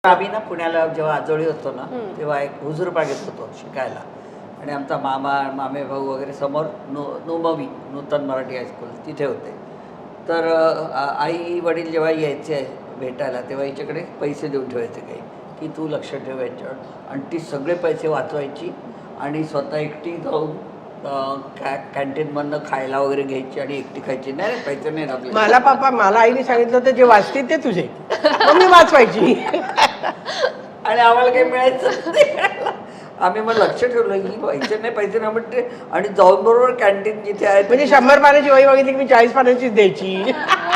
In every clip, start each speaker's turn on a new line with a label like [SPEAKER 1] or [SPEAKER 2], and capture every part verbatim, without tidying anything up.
[SPEAKER 1] आम्ही ना पुण्याला जेव्हा आजोळी होतो ना तेव्हा एक हुजूरबागेत होतो शिकायला आणि आमचा मामा मामे भाऊ वगैरे समोर नु नुमवी नूतन मराठी हायस्कूल तिथे होते. तर आई वडील जेव्हा यायचे भेटायला तेव्हा हिच्याकडे पैसे देऊन ठेवायचे काही की तू लक्ष ठेव याच्यावर आणि ती सगळे पैसे वाचवायची आणि स्वतः एकटी जाऊन कॅ कॅन्टीनमधनं खायला वगैरे घ्यायची आणि एकटी खायची. नाही रे पैसे नाही लागले.
[SPEAKER 2] मला पापा मला आईने सांगितलं होतं जे वाचतील ते तुझे मग मी वाचवायची
[SPEAKER 1] आणि आम्हाला काही मिळायचं नाही. आम्ही मग लक्ष ठेवलं ही पैसे नाही पैसे नाही म्हणते आणि जाऊन बरोबर कॅन्टीन जिथे आहे
[SPEAKER 2] म्हणजे शंभर पानाची वही बघितली की मी चाळीस पानाचीच द्यायची.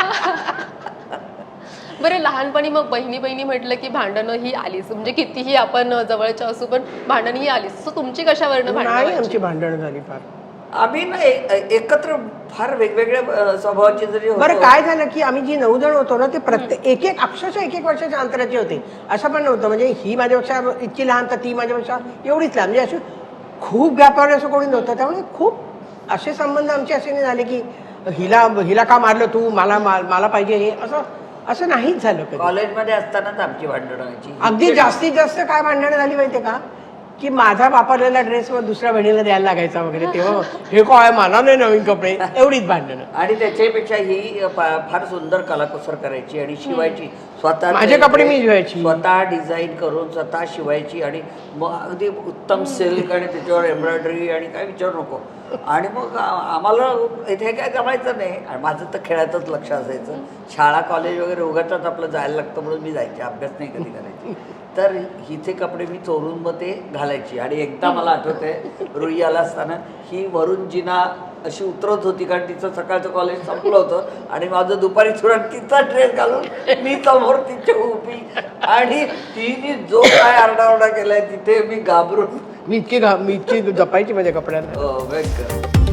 [SPEAKER 3] बरं लहानपणी मग बहिणी बहिणी म्हटलं की भांडणं ही आलीच म्हणजे कितीही आपण जवळच्या असू पण भांडण ही आलीच. सो तुमची कशावरनं भांडणं
[SPEAKER 2] नाही
[SPEAKER 3] व्हायची?
[SPEAKER 2] आमची भांडणं झाली फार.
[SPEAKER 1] आम्ही ना एकत्र फार वेगवेगळ्या स्वभावाचे जरी होतो.
[SPEAKER 2] बरं काय झालं की आम्ही जी नऊ जण होतो ना ते प्रत्येक एक एक अक्षरशः एक एक वर्षाच्या अंतराचे होते. असं पण नव्हतं म्हणजे ही माझ्यापेक्षा इतकी लहान तर ती माझ्यापेक्षा एवढीच लहान म्हणजे अशी खूप व्यापार असं कोणी नव्हतं. त्यामुळे खूप असे संबंध आमचे असे नाही झाले की हिला हिला का मारलं तू मला मला पाहिजे हे असं असं नाहीच झालं कधी.
[SPEAKER 1] कॉलेजमध्ये असतानाच आमची भांडणं व्हायची.
[SPEAKER 2] अगदी जास्तीत जास्त काय भांडणं झाली माहितीये का की माझा वापरलेला ड्रेस मग दुसऱ्या बहिणीला द्यायला लागायचा वगैरे तेव्हा हे काय मला नाही नवीन कपडे एवढीच भांडणं.
[SPEAKER 1] आणि त्याच्यापेक्षा ही फार सुंदर कलाकुसर करायची आणि शिवायची स्वतः.
[SPEAKER 2] माझे कपडे मी शिवायची
[SPEAKER 1] स्वतः डिझाईन करून स्वतः शिवायची आणि मग अगदी उत्तम सिल्क आणि त्याच्यावर एम्ब्रॉयडरी आणि काय विचारू नको. आणि मग आम्हाला इथे काय जमायचं नाही आणि माझं तर खेळातच लक्ष असायचं. शाळा कॉलेज वगैरे उगाचच आपलं जायला लागतं म्हणून मी जायचे अभ्यास नाही कधी करायची. तर हिचे कपडे मी चोरून मग ते घालायची. आणि एकदा मला आठवतंय रुई आला असताना ही वरून जिना अशी उतरत होती कारण तिचं सकाळचं कॉलेज संपलं होतं आणि माझं दुपारी सुरण तिचा ड्रेस घालून मी समोर तिच्या उभी आणि तिने जो काय आरडाओरडा केलाय तिथे मी घाबरून
[SPEAKER 2] मी इतकी घा मी इतकी जपायची माझ्या कपड्यांना.
[SPEAKER 1] हो,